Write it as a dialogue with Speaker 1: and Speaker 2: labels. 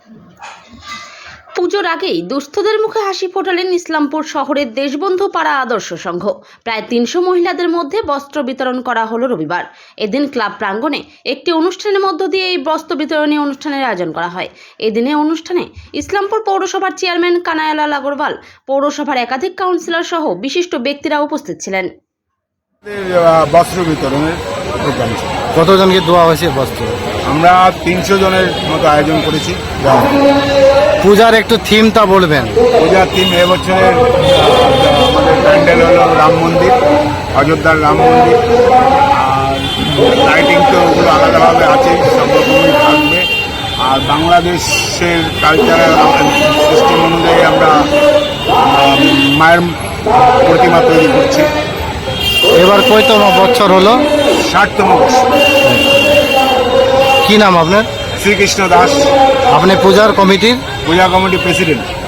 Speaker 1: পুজোর আগেই দুস্থদের মুখে হাসি ফোটালেন ইসলামপুর শহরের দেশবন্ধু পাড়া আদর্শ সংঘ। প্রায় ৩০০ মহিলাদের মধ্যে বস্ত্র বিতরণ করা হলো রবিবার। এদিন ক্লাব প্রাঙ্গণে একটি অনুষ্ঠানের মধ্য দিয়ে এই বস্ত্র বিতরণী অনুষ্ঠানের আয়োজন করা হয়। এদিনে অনুষ্ঠানে ইসলামপুর পৌরসভার চেয়ারম্যান কানায়ালাল আগরওয়াল, পৌরসভার একাধিক কাউন্সিলর সহ বিশিষ্ট ব্যক্তিরা উপস্থিত ছিলেন।
Speaker 2: বস্ত্র বিতরণের প্রোগ্রাম ছিল।
Speaker 3: কতজনকে দেওয়া হয়েছে বস্ত্র?
Speaker 2: আমরা 300 জনের মতো আয়োজন করেছি।
Speaker 3: পূজার একটু থিমটা বলবেন।
Speaker 2: পূজার থিম এবছরের আমাদের প্যান্ডেল হলো রাম মন্দির, অযোধ্যার রাম মন্দির। আর লাইটিং তো ওগুলো আলাদাভাবে আছে, সব রকমই থাকবে। আর বাংলাদেশের কালচারাল সিস্টেম অনুযায়ী আমরা মায়ের প্রতিমা তৈরি করছি।
Speaker 3: এবার কয়তম বছর হলো?
Speaker 2: 60তম বর্ষ।
Speaker 3: কি নাম আপনার?
Speaker 2: শ্রীকৃষ্ণ দাস,
Speaker 3: আপনি পূজার কমিটির
Speaker 2: পূজা কমিটি প্রেসিডেন্ট।